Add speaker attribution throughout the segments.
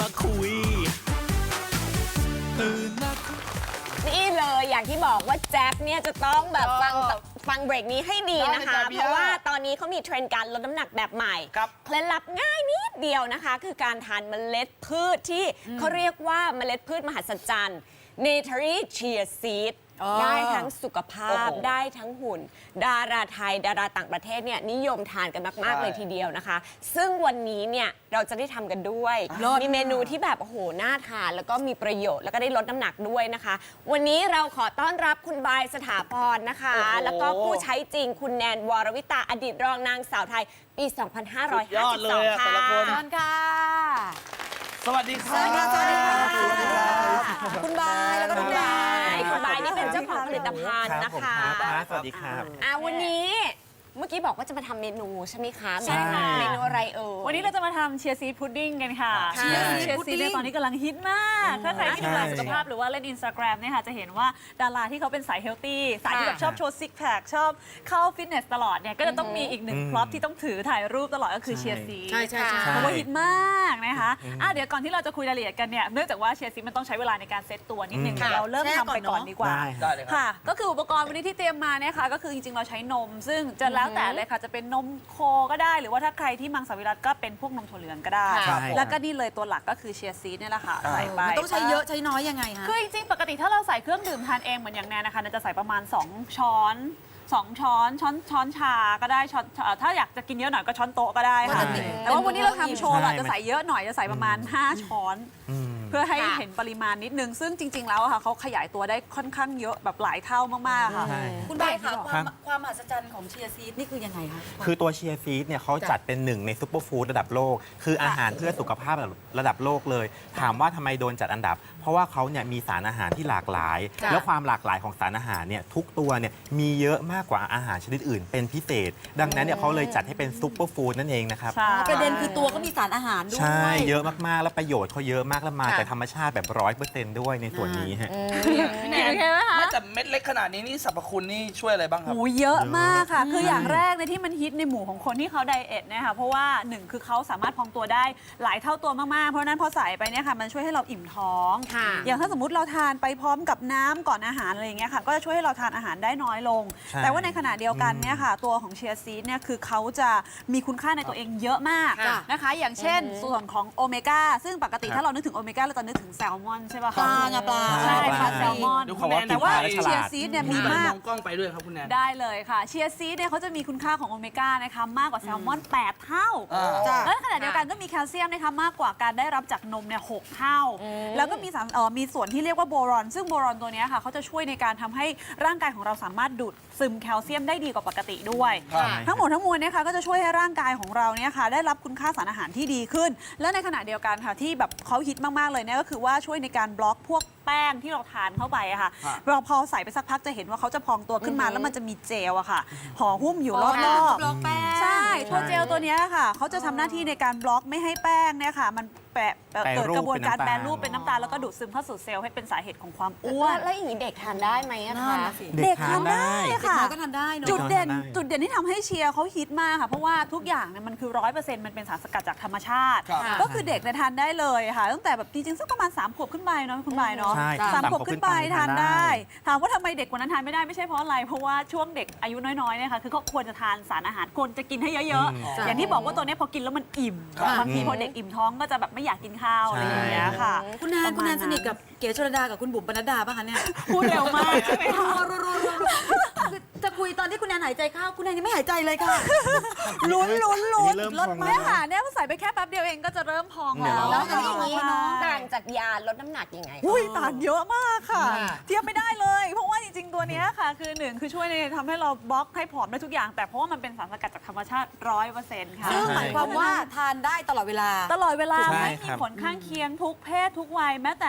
Speaker 1: มาคุยตื่นมา
Speaker 2: นี่เลยอย่างที่บอกว่าแจ็คเนี่ยจะต้องแบบฟังเบรกนี้ให้ดีนะคะ เพราะว่าตอนนี้เขามีเทรนด์การลดน้ำหนักแบบใหม่เคล็ดลับง่ายนิดเดียวนะคะ คือการทานเมล็ดพืชที่เขาเรียกว่าเมล็ดพืชมหัศจรรย์ Natari Chia Seed ได้ทั้งสุขภาพได้ทั้งหุ่น ดาราไทยดาราต่างประเทศเนี่ยนิยมทานกันมากๆเลยทีเดียวนะคะ ซึ่งวันนี้เนี่ยเราจะได้ทำกันด้วยมีเมนูที่แบบโอ้โหน่าทานแล้วก็มีประโยชน์แล้วก็ได้ลดน้ำหนักด้วยนะคะ วันนี้เราขอต้อนรับคุณบายสถาพรนะคะแล้วก็ผู้ใช้จริงคุณแนนวรวิตาอดีตรองนางสาวไทยปี 2552 ค่ะ
Speaker 3: สวัสดีค่ะ
Speaker 2: สวัสดีค่ะ
Speaker 4: คุณบายแล้วก็คุณบาย
Speaker 2: คุณบายนี่เป็นเจ้าของผลิตภัณฑ์นะคะ
Speaker 3: สวัสดีครับ
Speaker 2: วันนี้เมื่อกี้บอกว่าจะมาทำเมนูใช่ไหมคะ
Speaker 4: ใช่ค่ะ
Speaker 2: เมนูอะไรเอ่ย
Speaker 5: วันนี้เราจะมาทำเชียร์ซีดพุดดิ้งกันค่ะ
Speaker 2: ค่ะ
Speaker 5: เชียร์ซีดเนี่ยตอนนี้กำลังฮิตมาก ถ้าใครที่ดูแลสุขภาพหรือว่าเล่น Instagram เนี่ยค่ะจะเห็นว่าดาราที่เขาเป็นสายเฮลตี้สายที่แบบชอบโชว์ซิกแพคชอบเข้าฟิตเนสตลอดเนี่ยก็จะต้องมีอีกหนึ่งพร็อพที่ต้องถือถ่ายรูปตลอดก็คือเชียร์ซีด
Speaker 4: ใช่ใช่ใช่
Speaker 5: เพราะว่าฮิตมากนะคะเดี๋ยวก่อนที่เราจะคุยรายละเอียดกันเนี่ยเนื่องจากว่าเชียร์ซีดมันต้องใช้เวลาในการเซตตัวนิดนึงเราเริ่มทำไปก่อนดีกว่า
Speaker 3: ได้เลยครับ
Speaker 5: ค่ะก็คืออุปกรณ์วันนี้ที่เตรียมมาเนี่ยค่ะก็คือจริงๆเราใช้นม ซึ่งจะแล้วแต่เลยค่ะจะเป็นนมโคก็ได้หรือว่าถ้าใครที่มังสวิรัติก็เป็นพวกนมถั่วเหลืองก็ได้
Speaker 2: ครับ
Speaker 5: แล้วก็นี่เลยตัวหลักก็คือเชียร์ซีดเนี่ยแหละค่ะใส่ไป
Speaker 4: มันต้องใช้เยอะใช้น้อยยังไงฮะ
Speaker 5: คือจริงๆปกติถ้าเราใส่เครื่องดื่มทานเองเหมือนอย่างแนนนะคะแนนจะใส่ประมาณ2 ช้อนช้อนชาก็ได้ช้อนถ้าอยากจะกินเยอะหน่อยก็ช้อนโต๊ะก็ได้ค่ะ
Speaker 4: ปกติ
Speaker 5: แต่ว่าวันนี้เราทำโชว์
Speaker 3: ใช่
Speaker 5: เราจะใส่เยอะหน่อยจะใส่ประมาณ5 ช้อน เพื่อให้เห็นปริมาณนิดนึง ซึ่งจริง ๆ แล้วอะค่ะเขาขยายตัวได้ค่อนข้างเยอะแบบหลายเท่ามากๆค่ะ
Speaker 3: ใช่
Speaker 4: คุณบายค่ะ
Speaker 3: ครับ
Speaker 4: ความมหัศจรรย์ของเชียร์ซีดนี่คือยังไงคะ
Speaker 3: คือตัวเชียร์ซีดเนี่ยเขาจัดเป็นหนึ่งในซุปเปอร์ฟู้ดระดับโลก คืออาหารเพื่อสุขภาพระดับโลกเลย ถามว่าทำไมโดนจัดอันดับ เพราะว่าเขาเนี่ยมีสารอาหารที่หลากหลาย
Speaker 4: จ้ะ
Speaker 3: แล้วความหลากหลายของสารอาหารเนี่ยทุกตัวเนี่ยมีเยอะมากกว่าอาหารชนิดอื่นเป็นพิเศษ ดังนั้นเนี่ยเขาเลยจัดให้เป็นซุปเปอร์ฟู้ดนั่นเองนะครับ
Speaker 5: ใช่
Speaker 4: ประเด็นคือตัวก็มีสารอาหารด้วย
Speaker 3: ใช่เยอะมากๆแล้วประโยชน์เขาเยอะมากแล้วมาจากธรรมชาติแบบ100%ด้วยในส่วนนี้ฮะ
Speaker 5: โอเคไหมคะ
Speaker 6: ไม่แต่เม็ดเล็กขนาดนี้นี่สรรพคุณนี่ช่วยอะไรบ้างครับ
Speaker 5: โอ้เยอะมากค่ะ คืออย่างแรกในที่มันฮิตในหมู่ของคนที่เขาไดเอทเนี่ยค่ะเพราะว่าหนึ่งคือเขาสามารถพองตัวได้หลายเท่าตัวมากๆ เพราะฉะนั้นพอใส่ไปเนี่ยค่ะมันช่วยให้เราอิ่มท้อง
Speaker 2: ค่ะ
Speaker 5: อย่างถ้าสมมติเราทานไปพร้อมกับน้ำก่อนอาหารอะไรอย่างเงี้ยค่ะก็จะช่วยให้เราทานอาหารได้น้อยลง
Speaker 3: ใช่
Speaker 5: แต่ว่าในขณะเดียวกันเนี่ยค่ะตัวของเชียร์ซีดเนี่ยคือเขาจะมีคุณค่าในตัวเองเยอะมาก
Speaker 4: ค่ะ
Speaker 5: นะคะ อย่างเช่นส่วนของโอเมก้าซึ่งปกติถ้าเรานึกถึงโอเมก้าเราจะนึกถึงแซลมอนใช่ป่ะ
Speaker 4: ปลา
Speaker 5: คะ
Speaker 4: ไงปลา
Speaker 5: ใช่ค่ะ
Speaker 3: ใช่
Speaker 5: แซลมอน
Speaker 6: ดูคุณแนน
Speaker 5: แต่ว่า
Speaker 3: กินปลาแล้วฉลาด
Speaker 5: เชียร์ซีดเนี่ยมีมาก
Speaker 6: มองกล้องไปด้วยครับคุณแนน
Speaker 5: ได้เลยค่ะเชียร์ซีดเนี่ยเขาจะมีคุณค่าของโอเมก้านะคะมากกว่าแซลมอน 8 เท่า
Speaker 4: จ้ะ
Speaker 5: และในขณะเดียวกันก็มีแคลเซียมนะคะมากกว่าการได้รับจากนมเนี่ย6เท่า แล้วก็มีสารมีส่วนที่เรียกว่าโบรอน ซึ่งโบรอนตัวเนี้ยค่ะเขาจะช่วยในการทำให้ร่างกายของเราสามารถดูดซึมแคลเซียมได้ดีกว่าปกติด้วย
Speaker 6: ครับ
Speaker 5: ทั้งหมดทั้งมวลเนี่ยค่ะก็จะช่วยให้ร่างกายของเราเนี่ยค่ะได้รับคุณค่าสารอาหารที่ดีขึ้น และในขณะเดียวกันค่ะที่แบบเขาฮิตมากๆเลยเนี่ยก็คือว่าช่วยในการบล็อกพวกแป้งที่เราทานเข้าไปอะค่ะ
Speaker 6: ครับ
Speaker 5: เราพอใส่ไปสักพักจะเห็นว่าเขาจะพองตัวขึ้นมาแล้วมันจะมีเจลอะค่ะห่อหุ้มอยู่รอบ
Speaker 4: บล็อกแป้ง
Speaker 5: ๆใช่ตัวเจลตัวเนี้ยค่ะเขาจะทำหน้าที่ในการบล็อกไม่ให้แป้งเนี่ยค่ะมันแปะเกิดกระบวนการแปรรูปเป็นน้ำตาลแล้วก็ดูดซึมเข้าสู่เซลล์ให้เป็นสาเหตุของความอ้วน
Speaker 2: แล้วอย่างนี้เด็กทานได้ไหมอะ
Speaker 4: นั่
Speaker 2: คะ
Speaker 4: นน่ะสิ
Speaker 3: เด็กทานได้
Speaker 5: ค่ะ
Speaker 4: เด็กน้อยก็ทานได้เนอะ
Speaker 5: จุดเด่น
Speaker 3: ทานได้
Speaker 5: จุดเด่นที่ทำให้เชียร์เขาฮิตมากค่ะ เพราะว่าทุกอย่างเนี่ยมันคือ100%มันเป็นสารสกัดจากธรรมชาติ
Speaker 6: ครับ
Speaker 5: ก็คือเด็กเนี่ยทานได้เลยค่ะ ตั้งแต่แบบจริงๆสักประมาณ3 ขวบขึ้นไปเนาะคุณบายเนาะ
Speaker 3: ใช่
Speaker 5: สามขวบขึ้นไปทานได้
Speaker 3: ทานได้
Speaker 5: ถามว่าทำไมเด็กกว่านั้นทานไม่ได้ไม่ใช่เพราะอะไร เพราะว่าช่วงเด็กอายุน้อยๆเนี่ยค่ะคือเขาควรจะทานสารอาหารควรจะกินให้เยอะๆ อย่างที่บอกว่าตัวเนี้ยพอกินแล้วมันอิ่ม
Speaker 4: ครับ
Speaker 5: บางทีพอเด็กอิ่มท้องก็จะแบบไม่อยากกินข้าวอะไรอย่างเงี้ยค่ะ
Speaker 4: คุณแนน
Speaker 5: ประมาณ
Speaker 4: สนิทกับเก๋ชลดากับคุณบุ๋มปนัดดาป่ะคะเนี่ย
Speaker 5: พูดเร็วมากใช่ไหมคะ
Speaker 4: คือจะคุยตอนที่คุณแนนหายใจเข้าคุณแนนยังไม่หายใจเลยค่ะ
Speaker 5: ลุ้น
Speaker 3: อันนี้เริ่ม
Speaker 5: ลด
Speaker 3: พอง
Speaker 5: ไหม
Speaker 3: แล้ว
Speaker 5: ค่ะเนี่ยพอใส่ไปแค่แป๊บเดียวเองก็จะเริ่มพอง
Speaker 3: เนี่ย
Speaker 5: แล้ว
Speaker 2: แล้วอย่างนี้
Speaker 5: ใช่
Speaker 2: ต่างจากยาลดน้ำหนักยังไง
Speaker 5: อุ้ยต่างเยอะมากค่ะ
Speaker 4: ค่ะ
Speaker 5: เทียบไม่ได้เลย เพราะว่าจริงๆตัวเนี้ยค่ะ คือหนึ่งคือช่วยในทำให้เราบล็อกให้ผอมได้ทุกอย่าง แต่เพราะว่ามันเป็นสารสกัดจากธรรมชาติ100%ค่ะ
Speaker 4: ซึ่งหมายความว่าทานได้ตลอดเวลา
Speaker 5: ตลอดเวลา
Speaker 3: ใช่
Speaker 5: ไม่
Speaker 3: ค
Speaker 5: มี
Speaker 3: รับ
Speaker 5: ผลข้างเคียงทุกเพศทุกวัยแม้แต่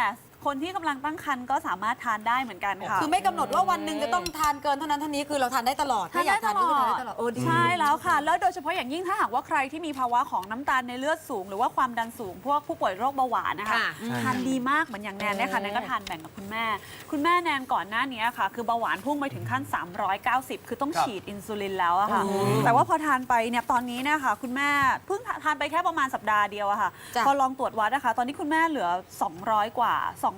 Speaker 5: คนที่กำลังตั้งครรภ์ก็สามารถทานได้เหมือนกันค่ะ
Speaker 4: คือไม่กำหนดว่าวันหนึ่งจะต้องทานเกินเท่านั้นเท่านี้คือเราทานได้ตลอดถ้าอยากทานก็คือทานได้ตลอดโอ้ดี
Speaker 5: ใช่แล้วค่ะ แล้วโดยเฉพาะอย่างยิ่งถ้าหากว่าใครที่มีภาวะของน้ำตาลในเลือดสูง หรือว่าความดันสูงพวกผู้ป่วยโรคเบาหวานนะคะ
Speaker 2: ค่ะ
Speaker 5: ทานดีมากเหมือนอย่างแนนเนี่ยค่ะแนนก็ทานแบ่งกับคุณแม่ คุณแม่แนนก่อนหน้านี้ค่ะ คือเบาหวานพุ่งไปถึงขั้น 390 คือต้องฉีดอินซูลินแล้วอะค่ะ แต่ว่าพอทานไปเนี่ยตอนนี้เนี่ยค่ะคุณแม่เพิ่งทานไปแค่ประมาณสัปดาห์เดียวอะค่ะ
Speaker 4: จ้ะ
Speaker 5: พอลองตรวจวัดนะคะตอนนี้คุณแม่เหลือ 200 กว่า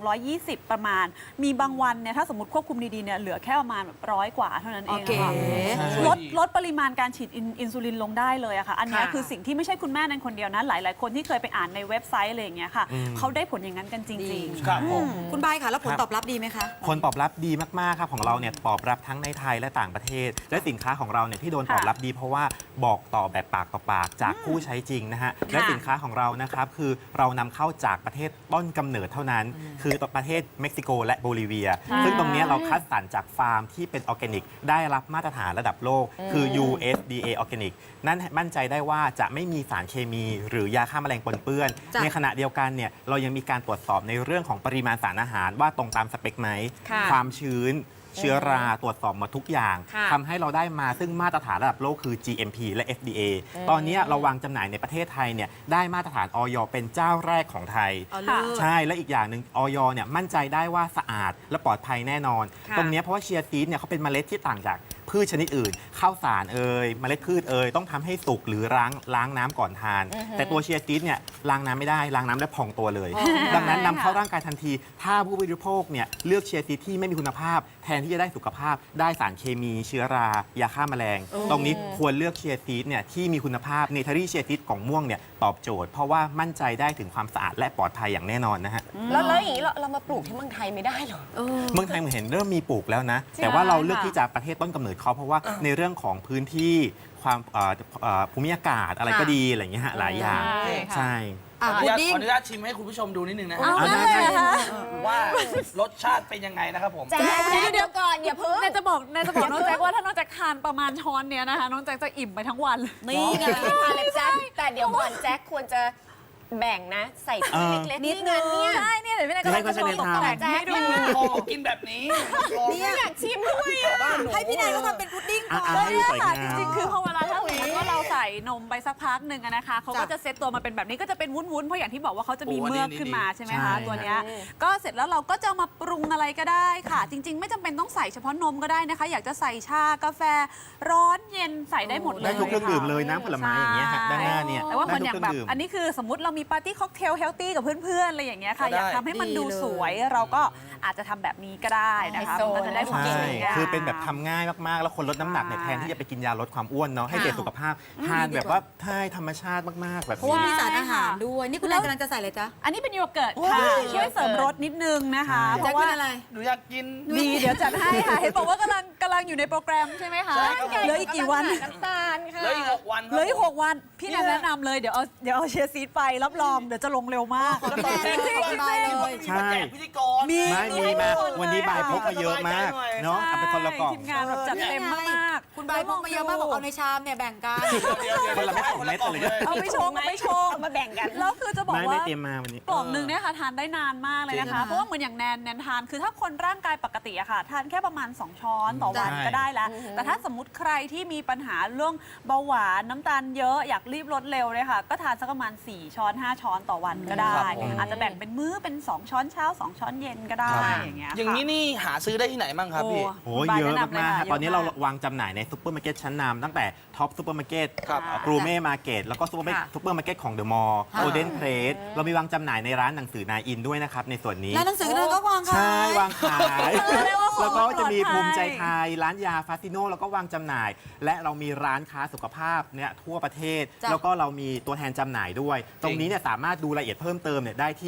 Speaker 5: 220 ประมาณ มีบางวันเนี่ยถ้าสมมติควบคุมดีๆเนี่ยเหลือแค่ประมาณแบบ100 กว่าเท่านั้นเองอะค่ะ ลดปริมาณการฉีดอินซูลินลงได้เลยอะค่ะ อันนี้คือสิ่งที่ไม่ใช่คุณแม่นั้นคนเดียวนะ หลายๆ คนที่เคยไปอ่านในเว็บไซต์อะไรอย่างเงี้ยค่ะ เขาได้ผลอย่างนั้นกันจริง
Speaker 6: ครับผม
Speaker 4: คุณบายค่ะแล้วผลตอบรับดีไหมคะ
Speaker 3: ผลตอบรับดีมาก ๆ ครับของเราเนี่ยตอบรับทั้งในไทยและต่างประเทศ และสินค้าของเราเนี่ยที่โดนตอบรับดีเพราะว่าบอกต่อแบบปากต่อปากจากผู้ใช้จริงนะฮะและสินค้าของเรานะครับคือเรานำเข้าจากประเทศต้นกำเนิดเท่านั้น คือประเทศเม็กซิโกและโบลิเวีย ซึ่งตรงเนี้ยเราคัดสรรจากฟาร์มที่เป็นออร์แกนิกได้รับมาตรฐานระดับโลก คือ USDA ออร์แกนิกนั่นมั่นใจได้ว่าจะไม่มีสารเคมี หรือยาฆ่าแมลงปนเปื้อน
Speaker 4: จ้ะ
Speaker 3: ในขณะเดียวกันเนี่ยเรายังมีการตรวจสอบในเรื่องของปริมาณสารอาหารว่าตรงตามสเปคไหม
Speaker 2: ค่ะ
Speaker 3: ความชื้น เชื้อราตรวจสอบหมดทุกอย่าง
Speaker 2: ค่ะ
Speaker 3: ทำให้เราได้มาซึ่งมาตรฐานระดับโลกคือ GMP และ FDA ตอนนี้เราวางจำหน่ายในประเทศไทยเนี่ยได้มาตรฐานอย เป็นเจ้าแรกของไทย
Speaker 4: อ๋อเลิศ
Speaker 3: ใช่และอีกอย่างหนึ่งอยเนี่ยมั่นใจได้ว่าสะอาดและปลอดภัยแน่นอน
Speaker 2: ค่ะ
Speaker 3: ตรงเนี้ยเพราะว่าเชียร์ซีดเนี่ยเขาเป็นเมล็ดที่ต่างจากพืชชนิดอื่น ข้าวสารเมล็ดพืชต้องทำให้สุกหรือล้างน้ำก่อนทาน แต่ตัวเชียร์ซีดเนี่ยล้างน้ำไม่ได้ล้างน้ำแล้วพองตัวเลย ดังนั้นนำเข้าร่างกายทันที ถ้าผู้บริโภคเนี่ยเลือกเชียร์ซีดที่ไม่มีคุณภาพ แทนที่จะได้สุขภาพ ได้สารเคมีเชื้อรายาฆ่าแมลง ตรงนี้ควรเลือกเชียร์ซีดเนี่ยที่มีคุณภาพเนเธอรี่เชียร์ซีดกล่องม่วงเนี่ยตอบโจทย์ เพราะว่ามั่นใจได้ถึงความสะอาดและปลอดภัยอย่างแน่นอนนะฮะ
Speaker 2: แล้วอย่างนี้เรามาปลูกที่เมืองไทยไม่ได้เหรอ
Speaker 3: เมืองไทยเหมือนเห็นเริ่มมีปลูกแล้วนะ แต่ว่าเราเลือกที่จะประเทศต้นกำเนิดเขาเพราะว่าในเรื่องของพื้นที่ความภูมิอากาศอะไรก็ดีอะไรอย่างเงี้ยฮะหลายอย่าง
Speaker 5: ใช่ค่ะ
Speaker 3: ใช่
Speaker 4: อ่ะ
Speaker 6: ขอ
Speaker 4: พุดดิ้ง
Speaker 6: อนุญาตชิมให้คุณผู้ชมดูนิดนึงนะฮะ
Speaker 5: เอา
Speaker 3: ได้
Speaker 5: ได้เลยเหรอคะ
Speaker 6: ว่ารสชาติเป็นยังไงนะครับผม
Speaker 2: แจ๊คเดี๋ยวก่อนอย่าเพิ่ง
Speaker 5: แนนจะบอกน้องแจ็คว่าถ้าน้องแจ็คทานประมาณช้อนเนี้ยนะคะน้องแจ็คจะอิ่มไปทั้งวัน
Speaker 2: นี่ไงทานเลยแจ๊คแต่เดี๋ยวก่อนแจ็คควรจะแบ่งนะ ใส่ถ้วยเล็กๆ
Speaker 4: นิด
Speaker 2: นี่
Speaker 4: นึ
Speaker 2: ไง
Speaker 4: ง
Speaker 2: เนี่ย
Speaker 5: ใช่เนี่ยเดี๋ยวพี่แนนก็
Speaker 3: ให้
Speaker 5: จะ
Speaker 3: เขา
Speaker 5: โชว์ตก
Speaker 3: ใช้ใน
Speaker 5: แต่ง
Speaker 3: ทาง
Speaker 5: ให้ดู
Speaker 6: โอ้กินแบบนี้
Speaker 2: เนี่ยอยากชิมด้วยอะ
Speaker 6: บ้านหนู
Speaker 4: ให้พี่นายเขาทำเป็นพุดดิ้งก่อน
Speaker 3: อ่ะ
Speaker 5: แล้วเนี่ย
Speaker 3: ให้สวย
Speaker 5: ค่ะ
Speaker 3: งาม
Speaker 5: จริงๆ คือพอเวลาถ้าสมมติว่าเราใส่นมไปสักพักหนึ่งอะนะคะเขาก็
Speaker 4: จ้ะ
Speaker 5: จะเซตตัวมาเป็นแบบนี้ก็จะเป็นวุ้นๆ เพราะอย่างที่บอกว่าเขาจะมี
Speaker 6: โอ้อันนี้
Speaker 5: เมือกขึ้นมาใช่ไหมคะ
Speaker 3: ใช่
Speaker 5: ตัวเนี้ยก็เสร็จแล้วเราก็จะเอามาปรุงอะไรก็ได้ค่ะ จริง ๆ ไม่จำเป็นต้องใส่เฉพาะนมก็ได้นะคะ อยากจะใส่ชากาแฟร้อนเย็นใส่ได้หมดเลย
Speaker 3: ได้ทุกเครื่องดื่มเลยน้ำผลไม้อย่างเงี้ยฮะด้านหน้าเนี่ย
Speaker 5: แต่ว่าคน
Speaker 3: ได้
Speaker 5: อย่าง
Speaker 3: ทุก
Speaker 5: แบบ
Speaker 3: เครื่ดื่ม
Speaker 5: อันนี้คือสมมติเรามีปาร์ตี้ค็อกเทลเฮลตี้กับเพื่อนๆอะไรอย่างเงี้ยค่ะ
Speaker 6: ก็ได้
Speaker 5: อยากทำให้มันดู
Speaker 4: ดีเลย
Speaker 5: สวยเราก็อาจจะทำแบบนี้ก็ได้นะคะ
Speaker 2: ไฮโซ
Speaker 5: มันก็จะได้ความ
Speaker 3: ใช่
Speaker 5: สวยงาม
Speaker 3: คือเป็นแบบทำง่ายมาก ๆ แล้วคนลดน้ำหนักเนี่ย
Speaker 5: ใช่
Speaker 3: แทนที่จะไปกินยาลดความอ้วนเนาะให้เกิดสุขภาพทานแบบว่าใช่ธรรมชาติมาก ๆ แบบ
Speaker 4: เพราะว่า
Speaker 3: นี้
Speaker 4: มีสารอาหารด้วย นี่คุณนายกำลังจะใส่อะไรจ๊ะ
Speaker 5: อันนี้เป็นโยเกิร์ตค่ะช่วยเสริมรสนิดนึงนะคะ
Speaker 3: ใช่
Speaker 5: เพ
Speaker 4: แจ็ค
Speaker 5: ราะ
Speaker 4: กิ
Speaker 5: ว่าน
Speaker 4: อะไร
Speaker 6: หนูอยากกิน
Speaker 5: ดีเดี๋ยวจัดให้ค่ะเห็นบอกว่ากำลังอยู่ในโปรแกรมใช่ไหมคะ
Speaker 6: ใช่ครับ
Speaker 5: เหลืออีกกี่วัน
Speaker 2: น้ำตาลค่ะ
Speaker 6: เหลืออีก6 วันค
Speaker 5: เห
Speaker 6: รับ
Speaker 5: ลืออีก6 วันพี่แนนแนะนำเลยเดี๋ยวเอาเชียร์ซีดไปรับรองเดี๋ยวจะลงเร็วมาก
Speaker 6: จะต้องแจ้ง
Speaker 4: จริงๆ
Speaker 6: ที่ว่ามีมาแจกพิธีกร
Speaker 5: มี
Speaker 3: ไม่มีมาวันนี้บายพกมาเยอะมากเนาะเอาไปคนละกล่อง
Speaker 5: ทีมงานแบบจัดเต็มมากๆ
Speaker 4: คุณบายพกมาเยอะมากบอกเอาในชามเนี่ยแบ่งกัน
Speaker 3: คนละเม็ด2 เม็ดเลย
Speaker 5: เอาไปชงเอาไปชง
Speaker 2: เอามาแบ่งกัน
Speaker 5: แล้วคือจะบอก
Speaker 3: ไม่
Speaker 5: ว่า
Speaker 3: เตรียมมาวันนี้
Speaker 5: กล่องหนึ่งเนี่ยค่ะทานได้นานมากเลยนะคะ เพราะว่าเหมือนอย่างแนนทานคือถ้าคนร่างกายปกติอะค่ะ ทานแค่ประมาณ 2 ช้อนต่อวัน
Speaker 3: ใช่
Speaker 5: ก็ได้แล้ว แต่ถ้าสมมติใครที่มีปัญหาเรื่องเบาหวานน้ำตาลเยอะอยากรีบลดเร็วเลยค่ะ ก็ทานสักประมาณ4 ช้อน 5 ช้อนต่อวันก็ได้ อาจจะแบ่งเป็นมื้อเป็น 2 ช้อนเช้า 2 ช้อนเย็นก็ได้อย่างเงี้ยค่ะ
Speaker 6: อย่างนี้นี่หาซื้อได้ที่ไหนบ้างครับพี่
Speaker 3: โอ้เยอะมากๆฮะตอนนี้เราวางจำหน่ายในซุปเปอร์มาร์เก็ตชั้นนำตั้งแต่ท็อปซุปเปอร์มาร์เก็ต
Speaker 6: ครับ
Speaker 3: กรูเม่มาร์เก็ตแล้วก็ซุปเปอร์มาร์เก็ตของเดอะมอลล์โอเดนเพลสเรามีวางจำหน่ายในร้านหนังสือนายอินด้วยนะครับในส่วนนี้
Speaker 4: แล้วหนังสือเราก็วางค่ะ
Speaker 3: ใช่วางขาย
Speaker 5: เรียกว่าของ
Speaker 3: แล้วก็จะมี
Speaker 5: ปลอดภัย
Speaker 3: ภูมิใจไทยร้านยาฟาซิโนแล้วก็วางจำหน่าย และเรามีร้านค้าสุขภาพเนี่ยทั่วประเทศ
Speaker 4: จ้ะ
Speaker 3: แล้วก็เรามีตัวแทนจำหน่ายด้วย ตรงนี้เนี่ยสามารถดูรายละเอียดเพิ่มเติมเนี่ยได้ที่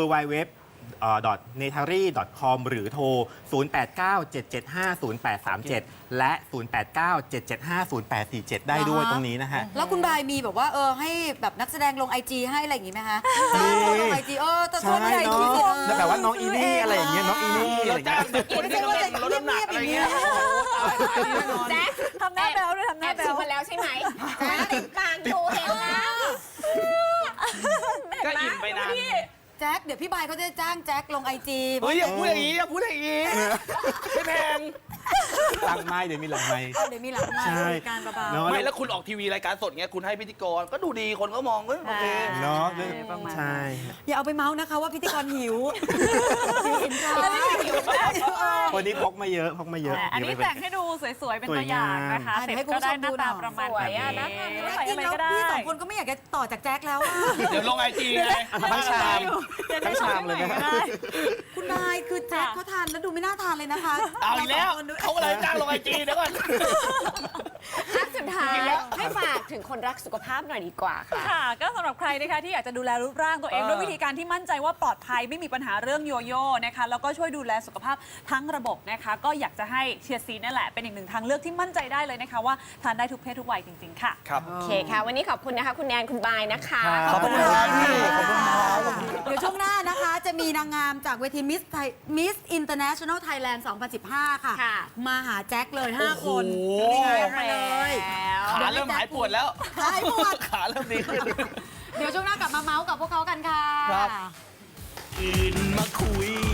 Speaker 3: www.netary.com หรือโทร 0897750837 และ 0897750847 ได้ด้วยตรงนี้นะฮะ
Speaker 4: แล้วคุณบายมีแบบว่าให้แบบนักแสดงลงไอจีให้อะไรอย่างงี้ไหมคะจ้างคนลงไอจีแต่
Speaker 3: ใช่
Speaker 4: คนไอ
Speaker 3: เนา
Speaker 4: จี
Speaker 3: ะแล้วแบบว่าน้องอีนี่อะไรอย่างเงี้ยน้องอีนี่อะไรอย่างเงี้ย
Speaker 6: คนที่กำลังลดน้ำหนักอะไรเงี้ย
Speaker 2: แจ๊ค
Speaker 5: ทำหน้าแบวด้วยทำห
Speaker 2: แอ
Speaker 5: น้า
Speaker 2: บ
Speaker 5: แบ
Speaker 2: ชิ
Speaker 5: ว
Speaker 2: มมาแล้วใช่ไหมติดปากอยู่เห็นแล้ว
Speaker 6: ก็อิ่มไปนาน
Speaker 4: แจ็คเดี๋ยวพี่บายเขาจะจ้างแจ็คลงไอจี
Speaker 6: เฮ้ยอย่าพูดอย่างนี้อย่าพูดอย่างนี้ไม่แพง
Speaker 3: หลังไม้เดี๋ยวมีหลังไม้
Speaker 4: เดี๋ยวมีหลังมา
Speaker 3: ใช่
Speaker 4: การเบา
Speaker 3: เนาะ
Speaker 6: ไม่แล้วคุณออกทีวีรายการสดเงี้ยคุณให้พิธีกรก็ดูดีคนก็มองเอ้ยโอเค
Speaker 3: เนาะ
Speaker 5: ประมาณนั้น
Speaker 3: ใช่
Speaker 4: ๆอย่าเอาไปเมาส์นะคะว่าพิธีกรหิวเห็นร้าน
Speaker 3: วันนี้พกมาเยอะพกมาเยอะ
Speaker 5: อันนี้แต่งให้ดูสวยๆ เป็นตัวอย่างนะคะ
Speaker 4: สวยงาม
Speaker 5: เสร็จก็ได้หน้าตาประมาณ
Speaker 2: สวยอะ
Speaker 5: นี้
Speaker 2: น่าทาน
Speaker 5: ใส่
Speaker 4: จริ
Speaker 5: อะ
Speaker 4: ง
Speaker 5: ไร
Speaker 4: แล้ว
Speaker 5: ก็ได้
Speaker 4: พี่สองคนก็ไม่อยากจะต่อจากแจ็คแล้วอะ
Speaker 6: เดี๋ยวลงไอจีไง
Speaker 3: ทั้งชามทั้งชามเลยนะ
Speaker 4: คุณนายคือแจ็คเขาทานแล้วดูไม่น่าทานเลยนะคะ
Speaker 6: เอาอีกแล้ว
Speaker 4: รสงคนดู
Speaker 6: เขาอะไรจ้างลงไอจีเดี๋ยวก่อน
Speaker 2: อ่ะสุดท้ายให้ฝากถึงคนรักสุขภาพหน่อยดีกว่าค่ะ
Speaker 5: ค่ะ ก็สำหรับใครนะคะที่อยากจะดูแลรูปร่างตัวเองด้วยวิธีการที่มั่นใจว่าปลอดภัยไม่มีปัญหาเรื่องโยโย่นะคะแล้วก็ช่วยดูแลสุขภาพทั้งระบบนะคะ ก็อยากจะให้เชียร์ซีนั่นแหละเป็นอีกหนึ่งทางเลือกที่มั่นใจได้เลยนะคะว่าทานได้ทุกเพศทุกวัยจริงๆค่ะ
Speaker 6: ครับ
Speaker 2: โอเคค่ะ วันนี้ขอบคุณนะคะ คุณแนนคุณบายนะคะ
Speaker 6: ขอบคุณครับพี่ขอบคุณครับ
Speaker 4: เดี๋ยวช่วงหน้านะคะจะมีนางงามจากเวทีมิสอินเตอร์เนชั่นแนลไทยแลนด์ 2015 ค่ะ
Speaker 2: ค่ะ
Speaker 4: มาหาแจ็คเลย 5 คน
Speaker 6: โอ้โห
Speaker 4: มาเลย
Speaker 6: ขาเริ่มหายปวดแล้ว
Speaker 4: หายปวด
Speaker 6: ขาเริ่มดีขึ้น
Speaker 4: เดี๋ยวช่วงหน้ากลับมาเมาส์กับพวกเขากันค่ะ
Speaker 6: ครับ
Speaker 1: ตื่นมาคุย